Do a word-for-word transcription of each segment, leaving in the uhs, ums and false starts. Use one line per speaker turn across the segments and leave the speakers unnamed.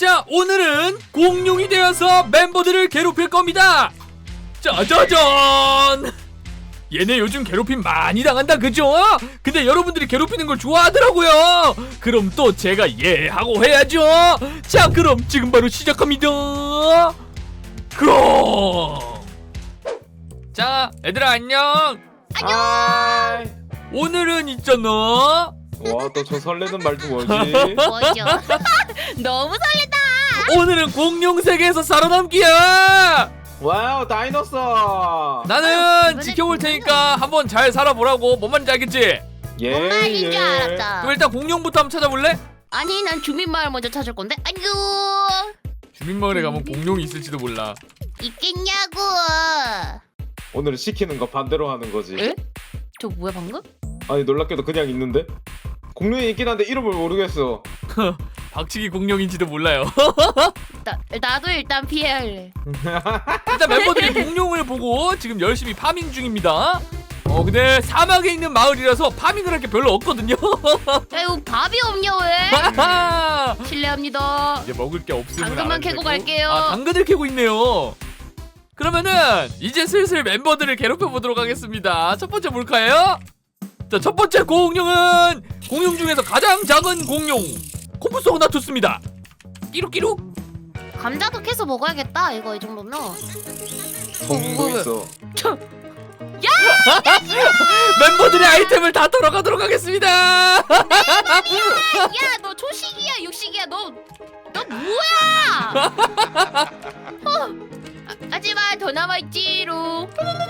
자, 오늘은 공룡이 되어서 멤버들을 괴롭힐 겁니다. 짜자잔! 얘네 요즘 괴롭힘 많이 당한다, 그죠? 근데 여러분들이 괴롭히는 걸 좋아하더라고요. 그럼 또 제가 예 하고 해야죠. 자, 그럼 지금 바로 시작합니다. 그럼 자, 얘들아 안녕.
안녕.
하이.
오늘은 있잖아,
와, 또 저 설레는 말도 뭐지?
뭐죠? 너무 설렌다.
오늘은 공룡 세계에서 살아남기야.
와우, 다이너서.
나는
이번엔
지켜볼
공룡은
테니까 한번 잘 살아보라고. 뭔 말인지 알겠지?
예.
뭔 말인 줄
예.
알았다.
그럼 일단 공룡부터 한번 찾아볼래?
아니, 난 주민마을 먼저 찾을 건데. 아이고,
주민마을에 가면 공룡이 있을지도 몰라.
있겠냐고.
오늘은 시키는 거 반대로 하는 거지.
에? 저 뭐야 방금?
아니, 놀랍게도 그냥 있는데? 공룡이 있긴 한데 이름을 모르겠어.
박치기 공룡인지도 몰라요.
나 나도 일단 피해할래.
일단 멤버들이 공룡을 보고 지금 열심히 파밍 중입니다. 어 근데 사막에 있는 마을이라서 파밍을 할 게 별로 없거든요.
아이고, 밥이 없냐 왜?
하하!
실례합니다.
이제 먹을 게 없으면
당근만
알아도
캐고
되고.
갈게요.
아, 당근을 캐고 있네요. 그러면은 이제 슬슬 멤버들을 괴롭혀 보도록 하겠습니다. 첫 번째 뭘까요? 자, 첫 번째 공룡은 공룡 중에서 가장 작은 공룡 코프소그나투스입니다. 끼룩끼룩.
감자도 캐서 먹어야겠다. 이거 이 정도면.
성도 있어.
멤버들의 아이템을 다 털어가도록 하겠습니다.
야, 너 초식이야, 육식이야, 너, 너 뭐야? 어, 아, 하지만 더 남아있지롱.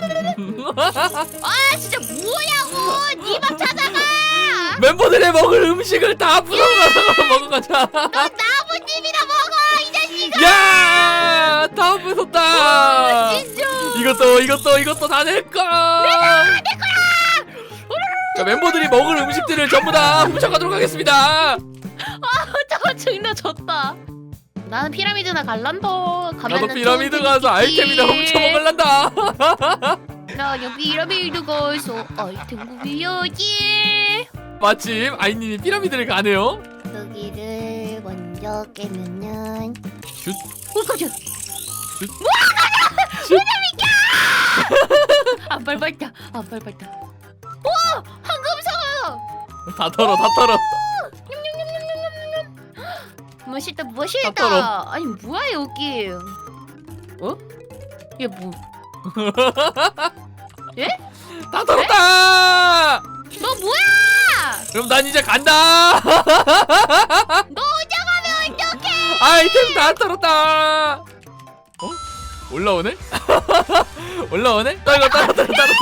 아, 진짜 뭐냐고! 니 밥 찾아가!
멤버들의 먹을 음식을 다 부숴가서 먹어가자.
너 나무님이나 먹어, 이 자식아!
야, 다 부쉈다.
진짜.
이것도 이것도 이것도 다 내 거.
내 거야!
자, 멤버들이 먹을 음식들을 전부 다 훔쳐가도록 하겠습니다.
저거 증나 졌다. 나는 피라미드나 갈란다.
나도 피라미드 가서 아이템이나 훔쳐 먹을란다.
나 여기 피라미드 가서 아이템 구비해야지.
마침 아이님이 피라미드를 가네요.
여기를 먼저 깨면은
슛.
어, 깜짝.
슛.
슛. 안 밟았다. 안 밟았다. 와, 황금상어.
다 털어, 다 털어.
멋있다,
다
멋있다.
털어.
아니 뭐야 여기? 어? 얘 뭐? 예?
다 털었다.
너 뭐야?
그럼 난 이제 간다.
너 혼자 가면 어떡해?
아이템 다 털었다. 어? 올라오네? 올라오네? 떨궈 떨궈 떨궈 떨궈.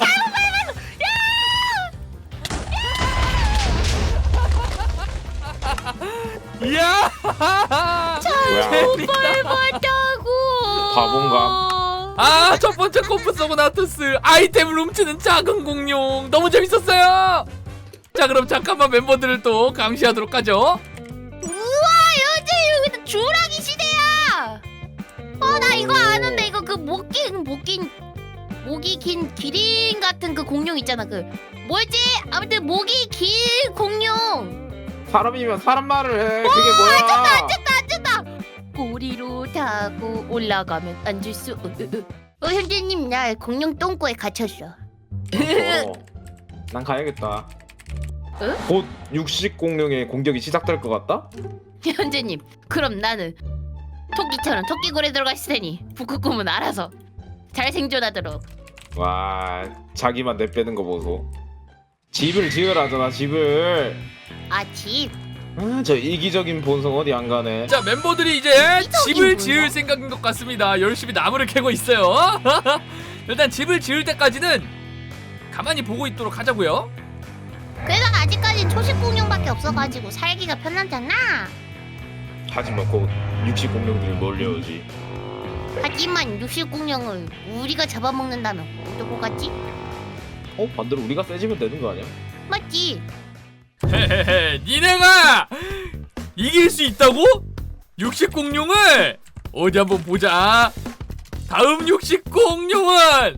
이야!
뭐야?
밟았다고.
바본가?
아, 첫 번째 코프소그나투스 아이템을 훔치는 작은 공룡 너무 재밌었어요. 자, 그럼 잠깐만 멤버들을 또 감시하도록 하죠.
우와, 여기 여기도 주라기 시대야. 어, 나 이거 아는데 이거 그 목기 목긴 목이 긴 기린 같은 그 공룡 있잖아. 그 뭐였지? 아무튼 목이 긴 공룡.
사람이면 사람 말을 해. 그게 뭐야?
앉았다 앉았다. 꼬리로 타고 올라가면 앉을 수. 어, 어, 어 현재님, 나 공룡 똥꼬에 갇혔어.
어, 난 가야겠다.
응?
곧 육식 공룡의 공격이 시작될 것 같다?
현재님, 그럼 나는 토끼처럼 토끼굴에 들어가 있을 테니 북극곰은 알아서 잘 생존하도록.
와, 자기만 내빼는 거 보소. 집을 지으라잖아, 집을.
아, 집.
아, 저 이기적인 본성 어디 안 가네.
자, 멤버들이 이제 집을
뭐야?
지을 생각인 것 같습니다. 열심히 나무를 캐고 있어요. 일단 집을 지을 때까지는 가만히 보고 있도록 하자고요.
그래서 아직까지 초식 공룡밖에 없어가지고 살기가 편하잖아.
하지만 곧 육식 공룡들이 몰려오지.
하지만 육식 공룡을 우리가 잡아먹는다면 어떨 것 같지?
어? 반대로 우리가 세지면 되는 거 아니야?
맞지?
헤헤헤, 니네가 이길 수 있다고? 육식 공룡을 어디 한번 보자. 다음 육식 공룡은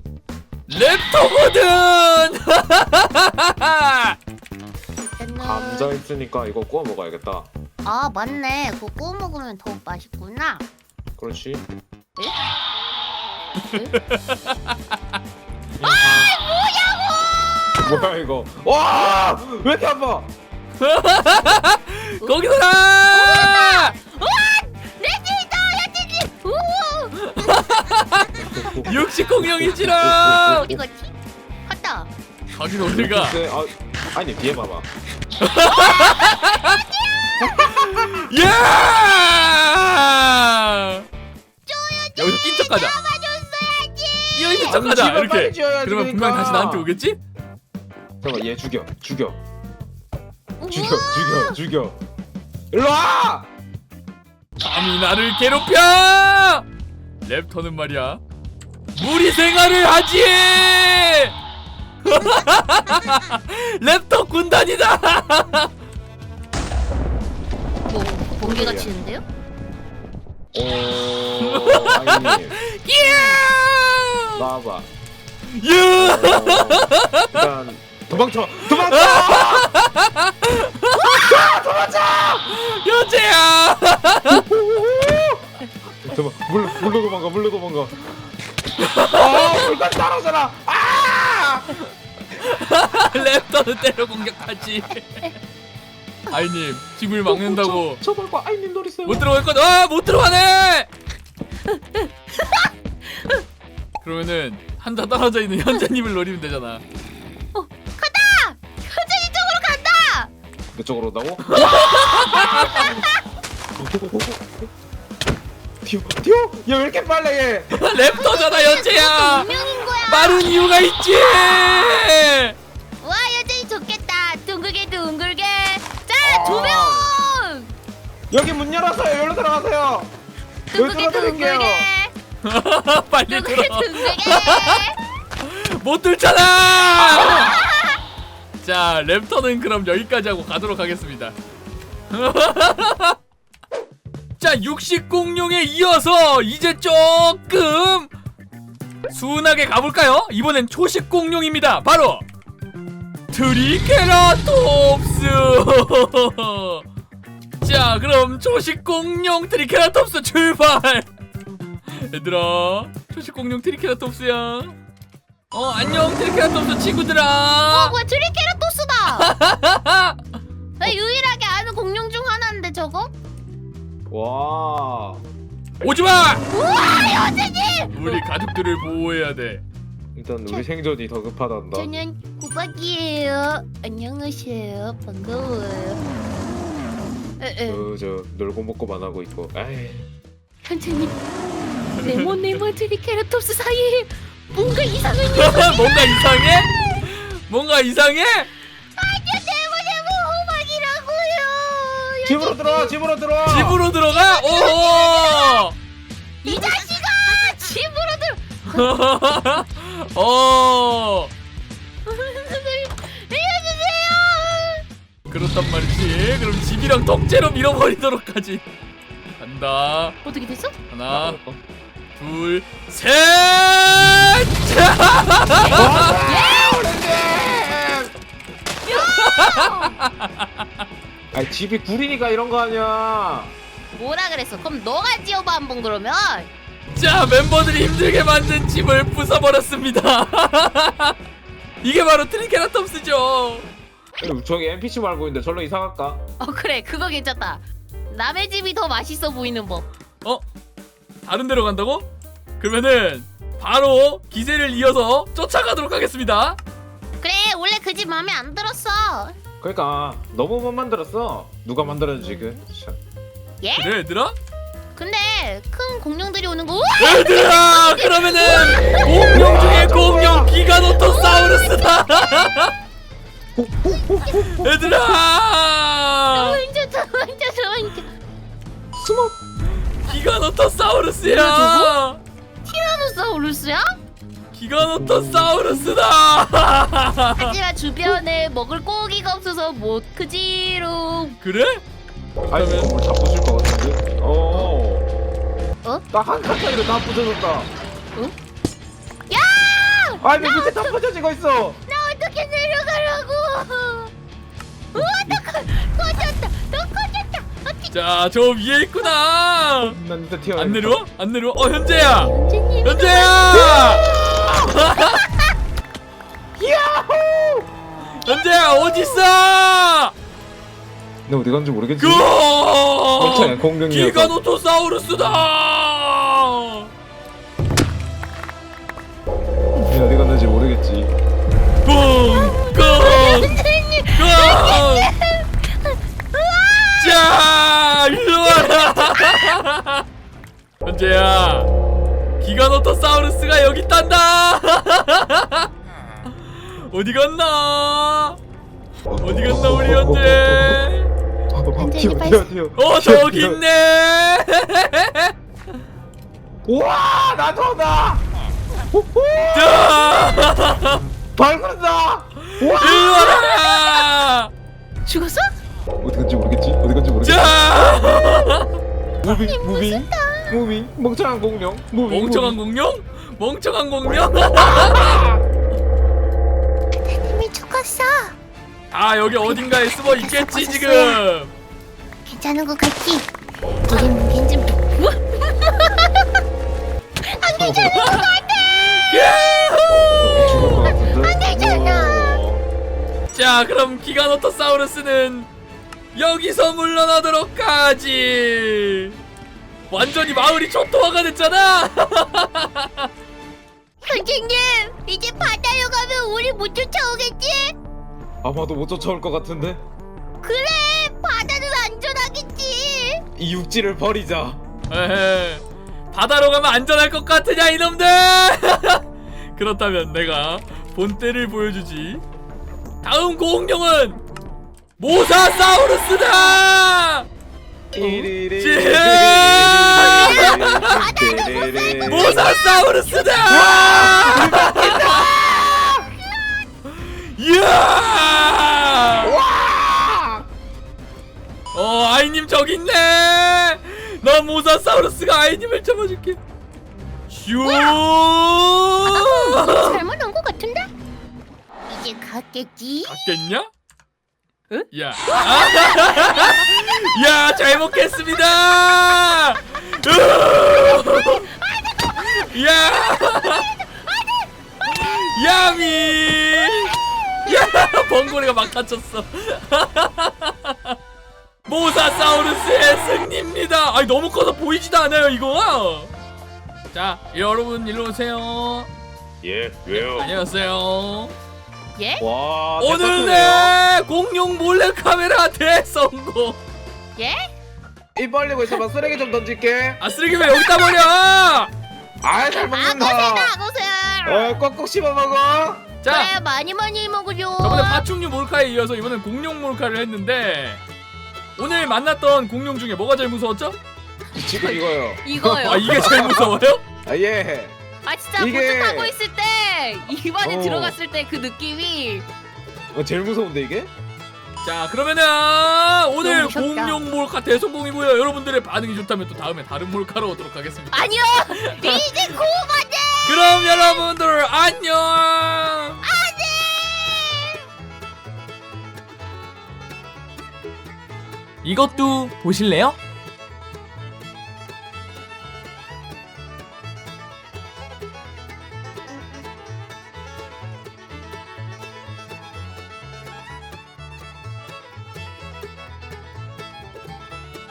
랩터거든.
감자 있으니까 이거 구워 먹어야겠다.
아 맞네. 그거 구워 먹으면 더 맛있구나.
그렇지.
아 뭐냐고!
뭐야 이거? 와! 왜 이렇게 아파?
거기서라!
우와! 내 집이다! 내 집이! 우와!
육식 공룡이지롱!
어디 갔지? 갔다.
가긴 어딜 가?
글쎄, 아, 아니 뒤에 봐봐.
예! 여기서 낀 척하자.
잡아줬어야지.
끼어 있는
아니,
척하자.
집을 빨리
이렇게.
지어야지,
그러면
그러니까.
분명 다시 나한테 오겠지?
잠깐 얘 죽여, 죽여,
우와!
죽여, 죽여, 죽여. 일로 와!
감히 나를 괴롭혀! 랩터는 말이야 무리 생활을 하지! 랩터 군단이다!
뭐 번개가 치는데요?
오, 아니,
끼야!
나와봐. 어,
야!
일단 도망쳐, 도망쳐!
여자야!
도망, 물, 물로 도망가, 물로 도망가. 아, 물건 따라오잖아. 아!
랩터는 때려 공격하지. 아이님 집을 막는다고
저, 저 말고 아이님 노리세요.
못 들어갈 거다. 아, 못 들어가네. 그러면은 한자 떨어져 있는 현재님을 노리면 되잖아.
간다! 현진이 쪽으로 간다!
그쪽으로 온다고? 뛰어, 뛰어! 야, 왜 이렇게 빨라 얘?
랩터잖아 현재야.
운명인 거야.
빠른 이유가 있지.
와 현진이 좋겠다. 둥글게 둥글게. 자
아.
조명.
여기 문 열었어요. 여기로 들어가세요. 여기
둥글게
들어드릴게요.
둥글게.
빨리
둥글게
들어.
둥글게.
못 들잖아. 자 랩터는 그럼 여기까지 하고 가도록 하겠습니다. 자 육식 공룡에 이어서 이제 조금 순하게 가볼까요? 이번엔 초식 공룡입니다. 바로 트리케라톱스. 자 그럼 초식 공룡 트리케라톱스 출발. 얘들아 초식 공룡 트리케라톱스야. 어 안녕 트리케라톱스 친구들아.
어 뭐야 트리케라토스다. 나 유일하게 아는 공룡 중 하나인데 저거?
와.
오지마.
우와 현진이.
우리 가족들을 보호해야 돼.
일단 우리 생존이 더 급하단다.
저는 호박이에요. 안녕하세요. 반가워요. 에에.
그저 놀고 먹고만 하고 있고. 에이.
현진이 레몬 레몬 트리케라톱스 사이에 뭔가 이상한 일.
뭔가 이상해? 뭔가 이상해?
아니요 레몬 레몬 호박이라고요.
집으로 들어와, 집으로 들어와.
집으로 들어가? 오호!
이 자식아 집으로 들어.
어
알려주세요.
그렇단 말이지. 그럼 집이랑 통째로 밀어버리도록 하지. 간다.
어떻게 됐어?
하나,
어?
둘, 셋!
아, 집이 구리니까 이런 거 아니야.
뭐라 그랬어? 그럼 너가 지어봐 한번 그러면.
자, 멤버들이 힘들게 만든 집을 부숴버렸습니다. 이게 바로 트리케라톱스죠.
저기 엔피씨 말고 있는데 절로 이사 갈까?
어 그래 그거 괜찮다. 남의 집이 더 맛있어 보이는 법.
어? 다른 데로 간다고? 그러면은 바로 기세를 이어서 쫓아가도록 하겠습니다.
그래 원래 그 집 마음에 안 들었어.
그러니까 너무 못 만들었어. 누가 만들었는지 그. 참.
예?
그래 얘들아?
근데 큰 공룡들이 오는 거. 우와!
얘들아 그러면은 공룡 중에 공룡 기가노토사우루스다. 얘들아
완전 저 완전 저 완전
숨어.
기가노토사우루스야.
티라노사우루스야?
기가노토사우루스다.
하지만 주변에 먹을 고기가 없어서 못 크지롱.
그래?
아니 건물 다 부술 것 같은데? 어.
어?
딱한 칸짜리로 다 부서졌다.
응? 야!
아니 왜 밑에 다 부서지고 있어?
나 어떻게 내려가라고? 우와 너 커, 커졌다. 너 커졌다. 어
자, 저 위에 있구나.
난 일단 튀어.
안 내려와? 안 내려와? 어, 현재야.
현재님.
현재야.
야호!
현재야 어디 있어?
너 어디 간지 모르겠지?
그
멍청해, 공룡이야.
기가노토사우루스다.
니 어디 갔는지 모르겠지.
뿡!
현재님.
뿡! 자, 일로 와라. 현재야, 기가노토사우루스가 여기 있단다. 어디 갔나? 어디 갔나 우리 현재?
튀어 튀어 튀어.
어, 저기 있네.
우와 나도다.
자,
발굴한다.
일로 와라.
죽었어?
어디 간지 모르겠지? 어디 간지 모르겠지?
자,
무빙 무빙 무빙 멍청한 공룡 무빙
멍청한
무빙.
공룡? 멍청한 공룡?
현재님이 죽었어.
아, 여기 어딘가에 숨어 있겠지 지금.
괜찮은 것 같지? 우리 무기인 좀. 우와! 안 괜찮은 것 같아.
죽을 것 같은데?
안 되잖아.
오.
자, 그럼 기가노토사우루스는 여기서 물러나도록 하지. 완전히 마을이 초토화가 됐잖아.
선생님, 이제 바다로 가면 우리 못 쫓아오겠지?
아마도 못 쫓아올 것 같은데?
그래, 바다는 안전하겠지.
이 육지를 버리자.
에헤, 바다로 가면 안전할 것 같으냐 이놈들. 그렇다면 내가 본때를 보여주지. 다음 공룡은 모사사우루스다. 모사사우루스다. 이야. 어, 아이님 저기 있네. 나 모사사우루스가 아이님을 잡아줄게. 슈.
잘못 온 것 같은데? 이제 갔겠지?
갔겠냐? 응? 야. 야, 잘 먹겠습니다. 야. 야미. 야, 번고리가 막 다쳤어. 모사사우루스의 승리입니다. 아니, 너무 커서 보이지도 않아요 이거. 자, 여러분 일로 오세요.
예, 왜요?
안녕하세요.
예?
와,
오늘 내 공룡 몰래카메라 대성공.
예?
입 벌리고 있어봐. 쓰레기 좀 던질게.
아, 쓰레기 왜 여기다 버려?
아, 잘 먹는다.
아고새다, 아고새.
어, 꼭꼭 씹어 먹어.
자,
그래, 많이 많이 먹으려.
저번에 파충류 몰카에 이어서 이번엔 공룡 몰카를 했는데 오늘 만났던 공룡 중에 뭐가 제일 무서웠죠?
지금 이거요.
이거요.
아, 이게 제일 무서워요?
아, 예.
아 진짜
이게-
보트 타고 있을 때 입안에
어.
들어갔을 때 그 느낌이
어, 제일 무서운데 이게?
자, 그러면은 오늘
너무 무섭다.
공룡 몰카 대성공이고요. 여러분들의 반응이 좋다면 또 다음에 다른 몰카로 오도록 하겠습니다.
아니요 이제 고마대.
그럼 여러분들 안녕.
안돼.
이것도 보실래요?